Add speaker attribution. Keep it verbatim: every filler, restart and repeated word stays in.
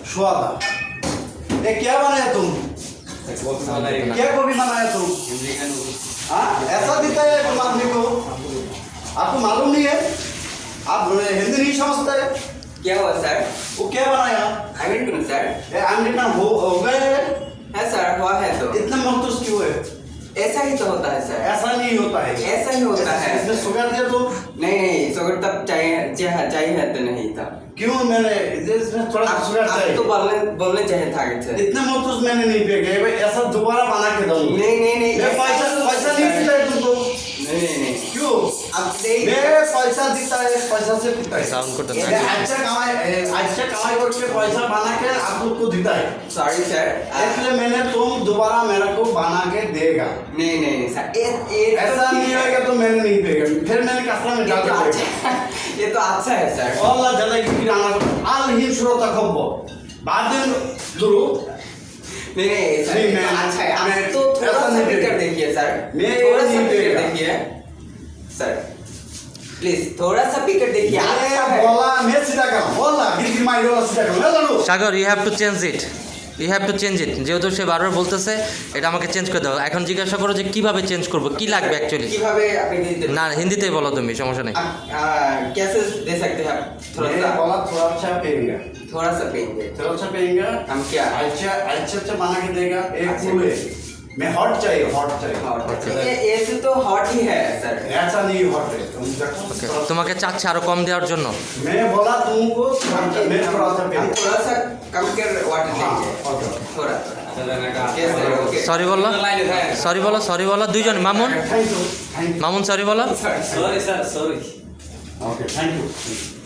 Speaker 1: सुआदा ये क्या बनाया तुम क्या गोभी बनाया तुम हाँ ऐसा दिखता है तुम आदमी को आपको मालूम नहीं है आप हिंदी नहीं समझते
Speaker 2: क्या हुआ सर?
Speaker 1: वो क्या बनाया
Speaker 2: आमिर कौन सर?
Speaker 1: ये आमलेट हो हो गए
Speaker 2: है सर, हुआ है तो
Speaker 1: इतना महसूस क्यों है
Speaker 2: ऐसा ही तो होता है सर।
Speaker 1: ऐसा नहीं होता है
Speaker 2: ऐसा ही होता है।
Speaker 1: इसमें शुगर दे दो
Speaker 2: नहीं नहीं शुगर तब चाहिए चाहिए चाहिए तो नहीं था।
Speaker 1: क्यों मैंने इसमें थोड़ा सा शुगर
Speaker 2: आप
Speaker 1: चाहिए
Speaker 2: तो बोलने बोलने चाहिए था कि सर।
Speaker 1: इतना महसूस मैंने नहीं फेंके भाई ऐसा दोबारा बना के दूंगा
Speaker 2: नहीं नहीं नहीं
Speaker 1: मैं पैसा पैसा नहीं देता है तुमको
Speaker 2: नहीं नहीं नहीं
Speaker 1: क्यों
Speaker 2: अब देख
Speaker 1: मैं पैसा देता है पैसा से पीता है
Speaker 3: साउंड को
Speaker 1: ये अच्छा कमाई अच्छा कमाई करके पैसा बना के आप लोग को देता है
Speaker 2: सॉरी सर।
Speaker 1: इसलिए मैंने तुम दोबारा मेरे को बना के देगा
Speaker 2: नहीं नहीं नहीं सर ये ये तो
Speaker 1: ऐसा
Speaker 2: ठीक
Speaker 1: नहीं
Speaker 2: है।
Speaker 1: होगा तो मैंने नहीं देगा फिर मैंने कस्टमर में
Speaker 2: ये
Speaker 1: डाल
Speaker 2: तो
Speaker 1: के
Speaker 2: अच्छा ये तो अच्छा है sir.
Speaker 1: Allah jalla kirana al hin surata khobbo baden duru
Speaker 2: नहीं नहीं सर
Speaker 1: नहीं,
Speaker 2: ये तो
Speaker 1: मैं-
Speaker 2: अच्छा है।
Speaker 1: मैं
Speaker 2: आप तो थोड़ा
Speaker 1: ऐसा
Speaker 2: सा
Speaker 1: नहीं
Speaker 2: भी कर
Speaker 1: देगा।
Speaker 2: देखिए सर।
Speaker 1: मैं
Speaker 2: थोड़ा सा
Speaker 1: नहीं
Speaker 2: भी कर
Speaker 1: देगा।
Speaker 2: देखिए सर प्लीज थोड़ा सा पिकर देखिए अच्छा है।
Speaker 1: bola me sida kar bola giri mairo sida kar na duru
Speaker 3: Sagar you have to change it you have to change it যেহেতু সে বারবার বলতেছে এটা আমাকে চেঞ্জ করে দাও এখন জিজ্ঞাসা করো যে কিভাবে চেঞ্জ করব কি লাগবে অ্যাকচুয়ালি
Speaker 2: কিভাবে আপনি দিতে
Speaker 3: না হিন্দিতেই বলো তুমি সমস্যা নেই
Speaker 2: आप आ, कैसे दे सकते हैं आप थोड़ा
Speaker 1: मैं
Speaker 2: सा
Speaker 1: bola thoda अच्छा पेगा
Speaker 2: थोड़ा सा पेंगे
Speaker 1: थोड़ा अच्छा पेगा
Speaker 2: हम क्या
Speaker 1: अच्छा अच्छा अच्छा बना के देगा एक
Speaker 2: अच्छा।
Speaker 1: फूल है मैं हॉट चाहिए हॉट चाहिए
Speaker 2: हॉट ये ऐसे तो हॉट ही है सर।
Speaker 1: ऐसा नहीं हॉट है तुम देखो
Speaker 3: ওকে
Speaker 1: थोड़ा-
Speaker 3: তোমাকে চাচ্ছে আরো কম দেওয়ার জন্য
Speaker 1: मैं बोला तुमको थोड़ा अच्छा, मैं थोड़ा सा
Speaker 2: हम
Speaker 1: पेगा
Speaker 2: थोड़ा सा कम कर वाटर
Speaker 1: हाँ
Speaker 2: लेंगे
Speaker 1: ओके
Speaker 2: थोड़ा कैसे ओके
Speaker 3: সরি বলো সরি বলো সরি বলো দুইজন Mamun
Speaker 1: thank you thank
Speaker 3: Mamun sorry বলো
Speaker 2: sorry sir sorry
Speaker 1: you okay thank you